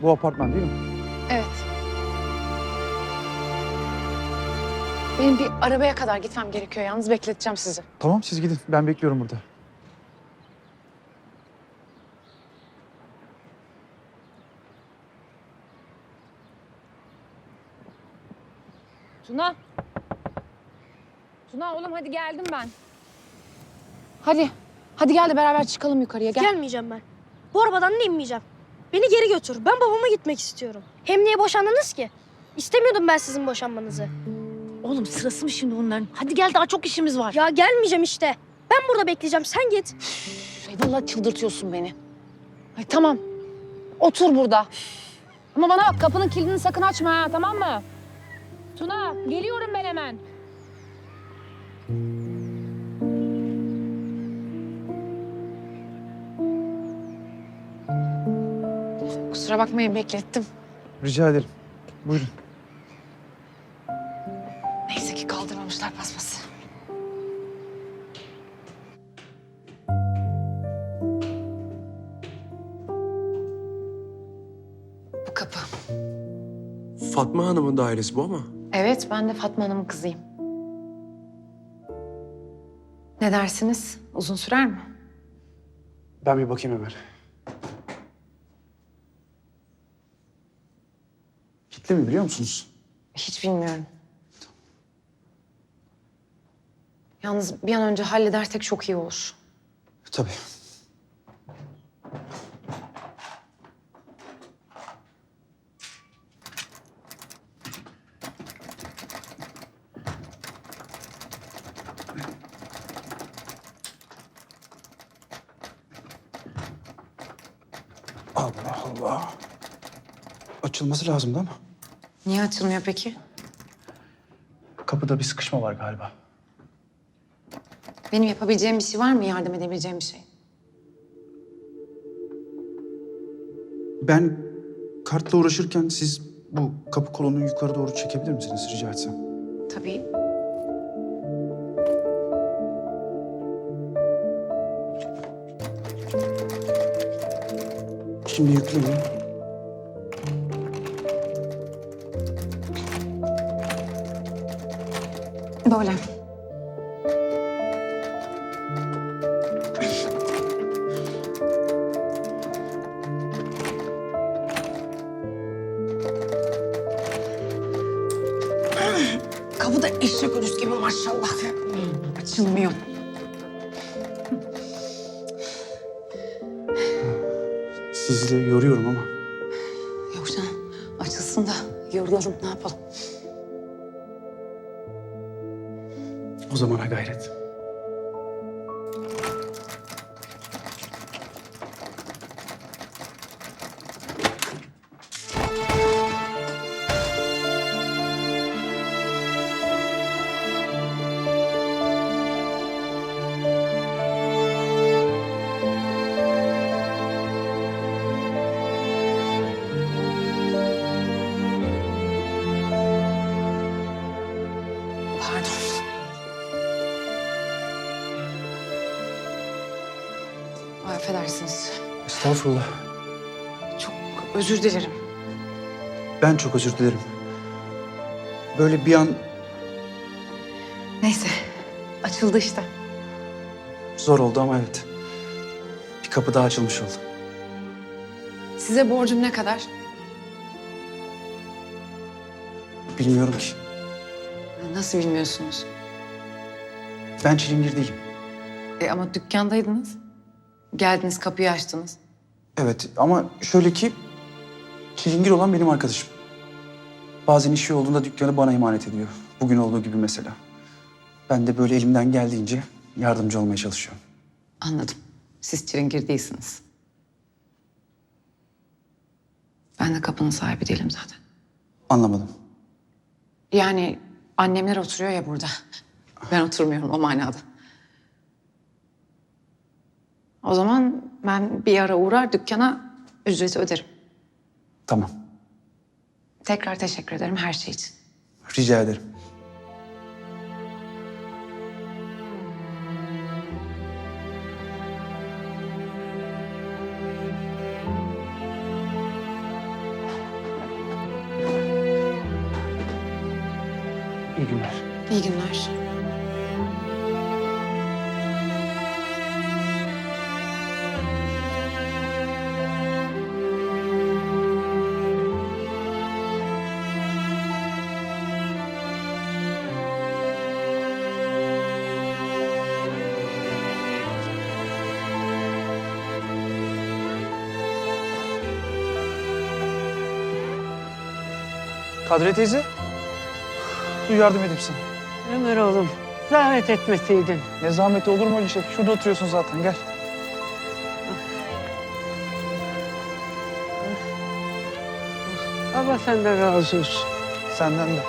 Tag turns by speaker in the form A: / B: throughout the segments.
A: Bu apartman değil mi?
B: Evet. Benim bir arabaya kadar gitmem gerekiyor. Yalnız bekleteceğim sizi.
A: Tamam siz gidin. Ben bekliyorum burada.
B: Tuna. Tuna oğlum hadi geldim ben. Hadi. Hadi gel de beraber çıkalım yukarıya gel.
C: Gelmeyeceğim ben. Bu arabadan da inmeyeceğim. Beni geri götür. Ben babama gitmek istiyorum. Hem niye boşandınız ki? İstemiyordum ben sizin boşanmanızı.
D: Oğlum sırası mı şimdi onların? Hadi gel daha çok işimiz var.
C: Ya gelmeyeceğim işte. Ben burada bekleyeceğim. Sen git.
B: Ay, vallahi çıldırtıyorsun beni. Ay tamam. Otur burada. Ama bana bak kapının kilidini sakın açma ha tamam mı? Tuna geliyorum ben hemen. Kusura bakmayın beklettim.
A: Rica ederim. Buyurun.
B: Neyse ki kaldırmamışlar paspası. Bu kapı.
E: Fatma Hanım'ın dairesi bu ama.
B: Evet ben de Fatma Hanım'ın kızıyım. Ne dersiniz? Uzun sürer mi?
A: Ben bir bakayım Ömer. Kilitli mi biliyor musunuz?
B: Hiç bilmiyorum. Yalnız bir an önce halledersek çok iyi olur.
A: Tabii. Allah Allah. Açılması lazımdı ama
B: Niye açılmıyor peki?
A: kapıda bir sıkışma var galiba.
B: Benim yapabileceğim bir şey var mı? Yardım edebileceğim bir şey.
A: Ben kartla uğraşırken siz bu kapı kolunu yukarı doğru çekebilir misiniz rica etsem?
B: Tabii.
A: Şimdi yükleyin.
B: Böyle. Kapı da eşek ölüsü gibi maşallah. Açılmıyor.
A: Sizi de yoruyorum ama.
B: Yok canım. Açılsın da yorulalım ne yapalım.
A: O zamana gayret.
B: Pardon. Ay, affedersiniz.
A: Estağfurullah.
B: Çok özür dilerim.
A: Ben çok özür dilerim. Böyle bir an
B: Neyse. Açıldı işte.
A: zor oldu ama evet. Bir kapı daha açılmış oldu.
B: Size borcum ne kadar?
A: Bilmiyorum ki.
B: Nasıl bilmiyorsunuz?
A: Ben çilingir değilim.
B: Ama dükkandaydınız. Geldiniz kapıyı açtınız.
A: Evet ama şöyle ki çilingir olan benim arkadaşım. Bazen işi olduğunda dükkanı bana emanet ediyor. Bugün olduğu gibi mesela. Ben de böyle elimden geldiğince yardımcı olmaya çalışıyorum.
B: Anladım. Siz çilingir değilsiniz. Ben de kapının sahibi değilim zaten.
A: Anlamadım.
B: Yani annemler oturuyor ya burada. Ben oturmuyorum o manada. O zaman ben bir ara uğrar dükkana ücreti öderim.
A: Tamam.
B: Tekrar teşekkür ederim her şey için.
A: Rica ederim. İyi günler.
B: İyi günler.
A: Kadriye teyze. Dur yardım edeyim sana.
F: Ömer oğlum, zahmet etmeseydin.
A: Ne zahmeti olur mu öyle şey? Şurada oturuyorsun zaten gel.
F: Allah senden razı olsun.
A: Senden de.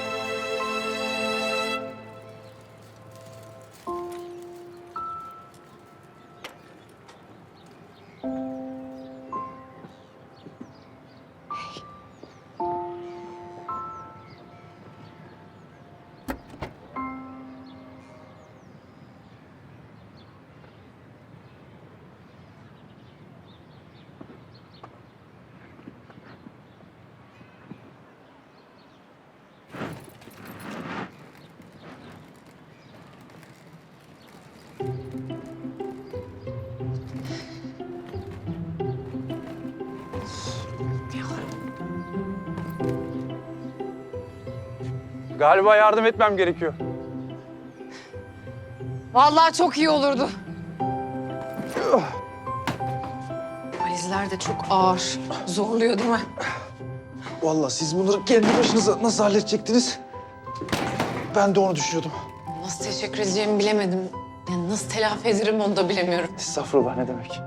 A: Galiba yardım etmem gerekiyor.
B: Vallahi çok iyi olurdu. Valizler de çok ağır. Zorluyor değil mi?
A: Vallahi siz bunları kendi başınıza nasıl halledecektiniz? Ben de onu düşünüyordum.
B: Nasıl teşekkür edeceğimi bilemedim. Yani nasıl telafi ederim onu da bilemiyorum.
A: Estağfurullah ne demek?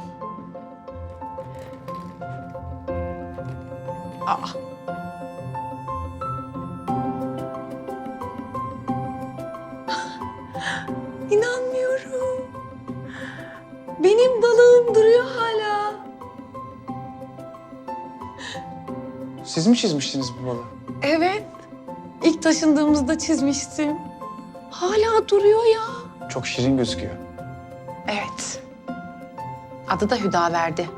B: Aa. İnanmıyorum. Benim balığım duruyor hala.
A: Siz mi çizmiştiniz bu balığı?
B: Evet. İlk taşındığımızda çizmiştim. Hala duruyor ya.
A: Çok şirin gözüküyor.
B: Evet. Adı da Hüdaverdi.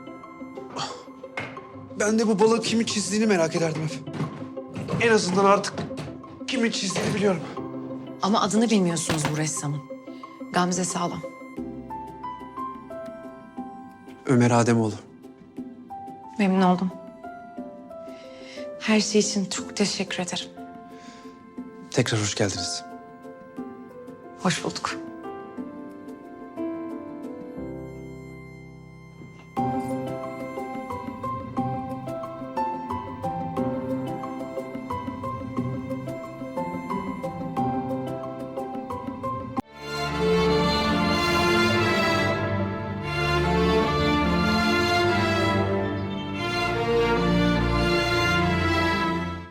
E: Ben de bu balığı kimin çizdiğini merak ederdim hep. En azından artık kimin çizdiğini biliyorum.
B: Ama adını bilmiyorsunuz bu ressamın. Gamze Sağlam.
E: Ömer Ademoğlu.
B: Memnun oldum. Her şey için çok teşekkür ederim.
E: Tekrar hoş geldiniz.
B: Hoş bulduk.